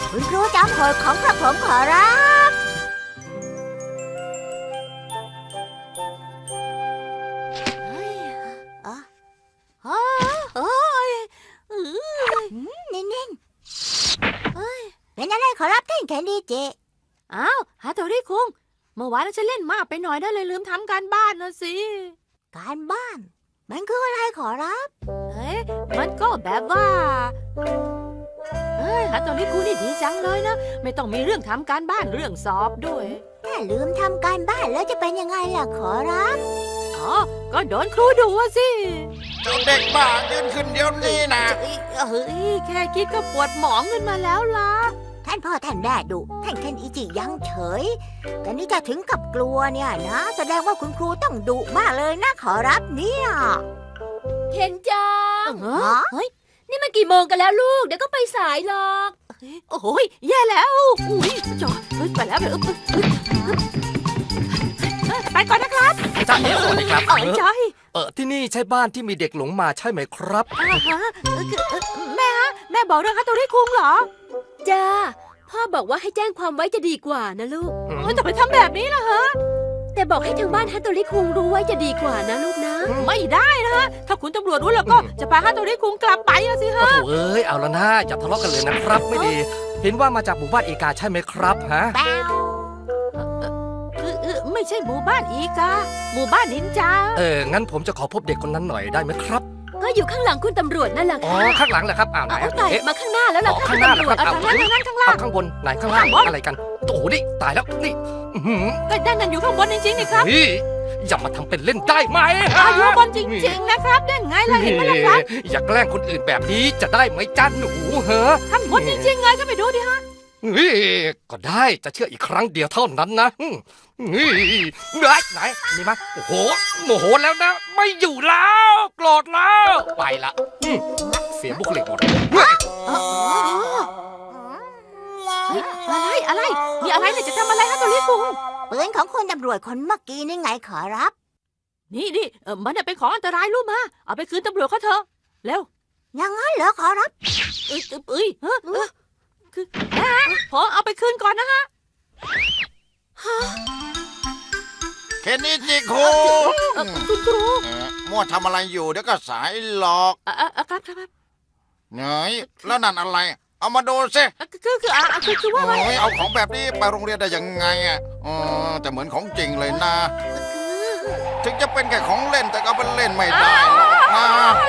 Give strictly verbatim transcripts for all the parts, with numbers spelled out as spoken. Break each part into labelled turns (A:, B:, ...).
A: คุณครูจำโหดของกระผมขอรับเฮ้ยอ๋อโอ้ยนิ่งๆเฮ้ยเป็นอะไรขอรับท่านแคนดี้เจ
B: อ้าวฮาโตริคุงเมื่อวานฉันเล่นมากไปหน่อยนะเลยลืมทำการบ้านนะสิ
A: การบ้านมันคืออะไรขอรับ
B: เฮ้ยมันก็แบบว่าเฮ้ยฮาโตริคุงนี่ดีจังเลยนะไม่ต้องมีเรื่องทำการบ้านเรื่องสอบด้วย
A: ถ้าลืมทำการบ้านแล้วจะเป็นยังไงล่ะขอรับ
B: อ๋อก็โดนครูดุสิ
C: เจ้าเด็กบ้ายืนขึ้นเดี๋ยวนี้นะ
B: เฮ้ยแค่คิดก็ปวดหมองขึ้นมาแล้วล่ะ
A: ท่านพ่อท่านแม่ดุท่านเคนอิจิยังเฉยแต่นี่จะถึงกับกลัวเนี่ยนะแสดงว่าคุณครูต้องดุมากเลยนะขอรับเนี่ย
D: เคนจัง
B: เฮ้ย
D: นี่มันกี่โมงกันแล้วลูกเดี๋ยวก็ไปสายหรอก
B: โอ้ยแย่แล้วอุ้ยจอเฮ้ยไปแล้วไปแล้วไปก่อนนะครับ
E: จ้าเอ๋สวัสดีครับ
B: เออใช่
E: เออที่นี่ใช่บ้านที่มีเด็กหลงมาใช่ไหมครับ
B: อ่าฮะแม่ฮะแม่บอกเรื่องฮาโตริคุงเหรอ
D: จ้าพ่อบอกว่าให้แจ้งความไว้จะดีกว่านะลูก
B: เฮ้ยแต่ไปทำแบบนี้ล่ะฮะ
D: แต่บอกให้ทางบ้านฮาโตริคุงรู้ไว้จะดีกว่านะลูกนะ
B: ไม่ได้นะฮะถ้าคุณตำรวจรู้แล้วก็จะพาฮาโตริคุงกลับไปสิฮะ
E: โอ้เอ้ยเอาละนะอย่าทะเลาะกันเลยนะครับไม่ดีเห็นว่ามาจากหมู่บ้านเอกาใช่ไหมครับฮะ
B: ไม่ใช่หมู่บ้านอีกาหมู่บ้านนินจา
E: เอองั้นผมจะขอพบเด็กคนนั้นหน่อยได้ไหมครับ
D: ก็อยู่ข้างหลังคุณตำรวจนั่นแหละ
E: อ๋อข้างหลังเหรอครับอ้าวไหน
D: เอ๊ะมาข้างหน้าแล้วล่ะ
E: ข้างหน้าเหรอครับ
B: ข้างหน้าข้างหน้าข้างล่าง
E: ข้างบนไหนข้างล่างอะไรกันโอ้โหนี่ตายแล้วนี่
B: ก็ด้านนั้นอยู่ข้างบนจริงๆนี่ครับ
E: อย่ามาทำเป็นเล่นได้ไหม
B: อยู่บนจริงๆนะครับได้ไงล่ะเห็นไหมล่ะครับ
E: อย่าแกล้งคนอื่นแบบนี้จะได้ไหมจ้าหนูเฮ้อ
B: ข้างบนจริงๆไงก็ไปดูดิฮะ
E: ก็ได้จะเชื่ออีกครั้งเดียวเท่านั้นนะไหนไหนมีมั้ยโอ้โหโมโหแล้วนะไม่อยู่แล้วโกรธแล้วไปละเสียบุคลิกหมด
B: อะไรอะไรมีอะไรเนี่ยจะทำอะไรฮะตัวลิคุง
A: ปืนของคนตำรวจคนเมื่อกี้นี่ไงขอรับ
B: นี่นี่มันเป็นของอันตรายรู้มาเอาไปคืนตำรวจเขาเถอะเร็ว
A: ยังงั้นเหรอขอรับ
B: เอ้ยเอ้ยเฮ้ยคือนะพอเอาไปคืนก่อนนะฮะ
C: เคนนิจิคุง
B: คุณครู
C: มั่วทำอะไรอยู่เดี๋ยวก็สายหลอก
B: อ่ะครับครับ
C: เฮ้ยแล้วนั่นอะไรเอามาดูสิ
B: คือคืออ่ะคือคือว่า
C: โอ้ยเอาของแบบนี้ไปโรงเรียนได้ยังไงอ่ะอ๋อแต่เหมือนของจริงเลยนะถึงจะเป็นแค่ของเล่นแต่ก็เป็นเล่นไม่ได้นะ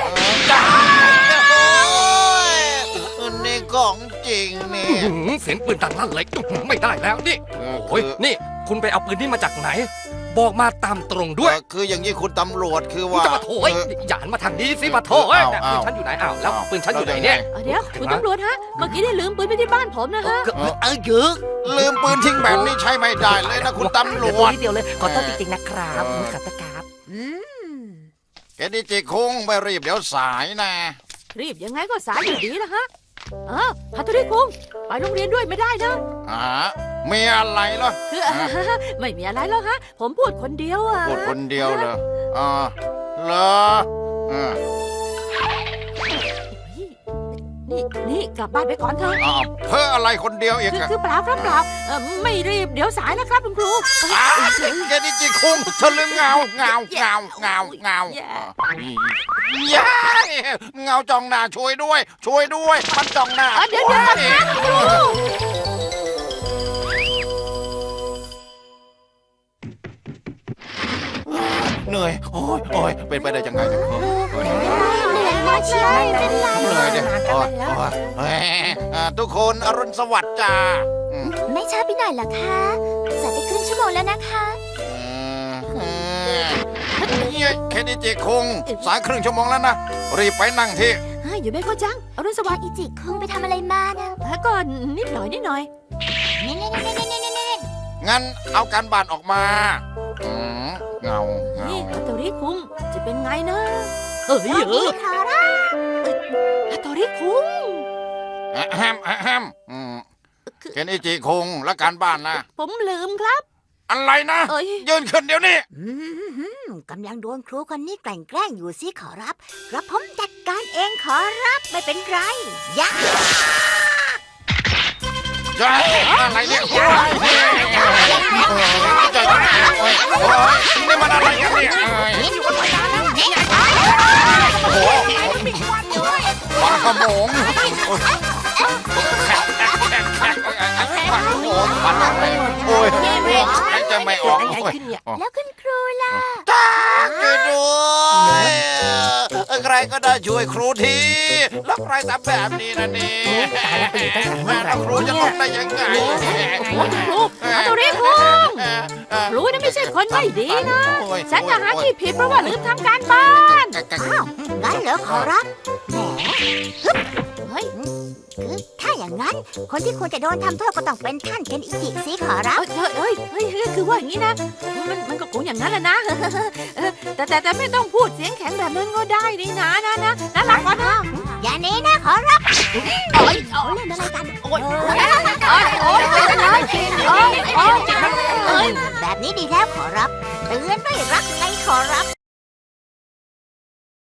C: นี่ของจริงนี่
E: เสียงปืนดังลั่นเลยไม่ได้แล้วนี่โอ้ยนี่คุณไปเอาปืนนี้มาจากไหนบอกมาตามตรงด้วย
C: คืออย่างนี้คุณตำรวจคือว่า
E: จะมาโถยอย่าหันมาทางนี้สิมาโถยปืนฉันอยู่ไหนอ้าวแล้วปืนฉันอยู่ไหนเนี่ย
B: เดี๋ยวคุณตำรวจฮะเมื่อกี้ได้ลืมปืนไปที่บ้านผมนะฮะ
E: เออเยอะ
C: ลืมปืนทิ้งแบบนี้ใช้ไม่ได้เลยนะคุณตำรวจ
E: เดียวเลยขอโทษจริงๆนะครับขอโทษครับ
C: แกดิจิคงไม่รีบเดี๋ยวสายนะ
B: รีบยังไงก็สายอยู่ดีนะฮะเออฮาโตริคุงไปโรงเรียนด้วยไม่ได้นะ
C: อ่ามีอะไรเหรอ
B: คือไม่มีอะไรหรอกฮะผมพูดคนเดียวอ่ะ
C: พูดคนเดียวเหรออ่าเหรออ่า
B: นี่นี่กลับบ้านไปก่อนเถอะ
C: เพื่ออะไรคนเดียวอีก
B: คือเปล่าครับเปล่าไม่รีบเดี๋ยวสายนะครับคุณครู
C: แกนี่จิคุงเธอลืมเงาเงาเงาเงาเงาย้ายเงาจ้องหน้าช่วยด้วยช่วยด้วยมันจ้องหน้า
B: เดี๋ยวเดี๋ยว
C: เหนื่อยโอ้ยโอ้ยเป็นไปได้ยังไงเนี่ย
A: เหนื่อยมากเลยเป็นไร
C: เหนื่อยเนี่ยโอ้ยโอ้ยทุกคนอรุณสวัสดิ์จ้า
A: ไม่ช้าไปหน่อยหรอคะสายไปครึ่งชั่วโมงแล้วนะคะ
C: เนี่ยแค่นี้จิคงสายครึ่งชั่วโมงแล้วนะรีบไปนั่งที่
B: อยู่ไม่เข้าจังอรุณสวัสดิ์
A: อิจิคงไปทำอะไรมานะ
B: พักก่อนนิดหน่อยนิดหน่อย
C: งั้นเอาการบ้านออกมาเงาเงา
B: นี่ฮาโตริคุงจะเป็นไงนะเฮ้ยเออฮาโตริคุง
C: แฮมแฮมเคนอิจิคุงและการบ้านนะ
B: ผมลืมครับ
C: อะไรนะยืนขึ้นเดี๋ยวนี้
A: กำลังโดนครูคนนี้แกล้งแกล้งอยู่สิขอรับกระผมจัดการเองขอรับไม่เป็นไรยะ
C: จ้าอะไรเนี่ยโอ้ยจ้าโอ้ยนี่มันอะไรกันเนี่ยโอ้โหปลากระโมงแขกแขกแขกแขกปลากระโมงปลาอะไรโอ้ยหายใจไม่ออก
B: อะไรขึ้นเนี่ย
A: แล้วคุณครูล่ะ
C: จ้าช่วยด้วยใครก็ได้ช่วยครูทีแล้วใครทำแบบนี้นะนี่แม่แล้วครูจะทำได้ยังไง
B: โอ้ยครูฮัตโตริคุงครูนี่ไม่ใช่คนไม่ดีนะ ฉันจะหาที่ผิดเพราะว่าลืมทำการบ้าน
A: อ้าวงั้นเหรอขอรับแหมฮึบ
B: เฮ้ย
A: คือถ้าอย่างนั้น คนที่ควรจะโดนทำโทษก็ต้องเป็นท่านเคนอิจิสิขอรับ
B: เอ้ยเอ้ยเฮ้ยเฮ้ยคือว่าอย่างนี้นะ มันมันก็คงอย่างนั้นแหละนะเออแต่แต่แต่ไม่ต้องพูดเสียงแข็งแบบนั้นก็ได้นี่นะนะนะน่ารักกว่านะ
A: อย่าหนี้นะขอรับ
B: โอ้ยโอ้
A: เขา
B: ย
A: เล่นอะไรกัน
B: โอ้ยโอ้ยโอ้ยโอ้ยโอ้ยโอ้ยโอ้ย
A: แบบนี้ดีแล้วขอรับเตือนด้วยรักไง